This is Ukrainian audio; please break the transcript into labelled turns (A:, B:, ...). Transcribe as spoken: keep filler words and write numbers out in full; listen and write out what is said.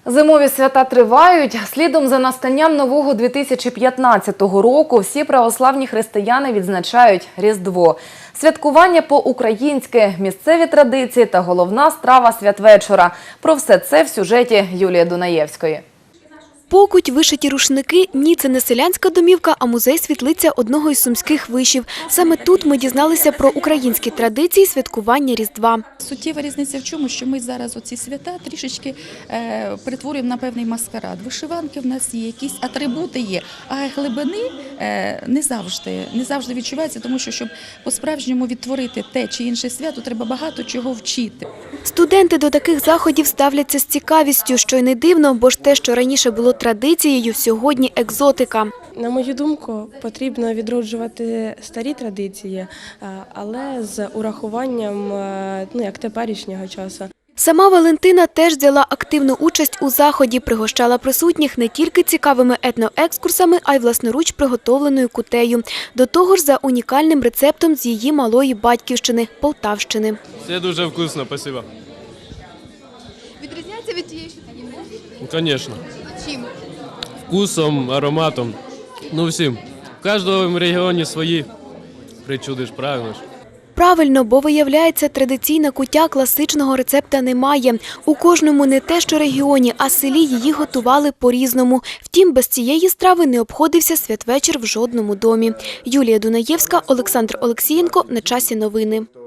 A: Зимові свята тривають. Слідом за настанням нового дві тисячі п'ятнадцятого року всі православні християни відзначають Різдво. Святкування по-українськи, місцеві традиції та головна страва святвечора. Про все це в сюжеті Юлії Дунаєвської.
B: Покуть, вишиті рушники – ні, це не селянська домівка, а музей-світлиця одного із сумських вишів. Саме тут ми дізналися про українські традиції святкування Різдва.
C: Суттєва різниця в чому, що ми зараз оці свята трішечки е, перетворюємо на певний маскарад. Вишиванки в нас є, якісь атрибути є, а глибини е, не завжди, не завжди відчуваються, тому що, щоб по-справжньому відтворити те чи інше свято, треба багато чого вчити.
B: Студенти до таких заходів ставляться з цікавістю, що й не дивно, бо ж те, що раніше було традицією, сьогодні екзотика.
D: На мою думку, потрібно відроджувати старі традиції, але з урахуванням, ну, як теперішнього часу.
B: Сама Валентина теж взяла активну участь у заході, пригощала присутніх не тільки цікавими етноекскурсами, а й власноруч приготовленою кутею. До того ж, за унікальним рецептом з її малої батьківщини – Полтавщини.
E: Все дуже вкусно, спасибо.
F: Відрізняється від тієї, що ти їдеш?
E: Звісно.
F: Чим?
E: Вкусом, ароматом, ну всім. В кожному регіоні свої причуди ж, правильно ж.
B: Правильно, бо, виявляється, традиційна куття класичного рецепта немає. У кожному не те, що регіоні, а селі її готували по-різному. Втім, без цієї страви не обходився святвечір в жодному домі. Юлія Дунаєвська, Олександр Олексієнко. На часі новини.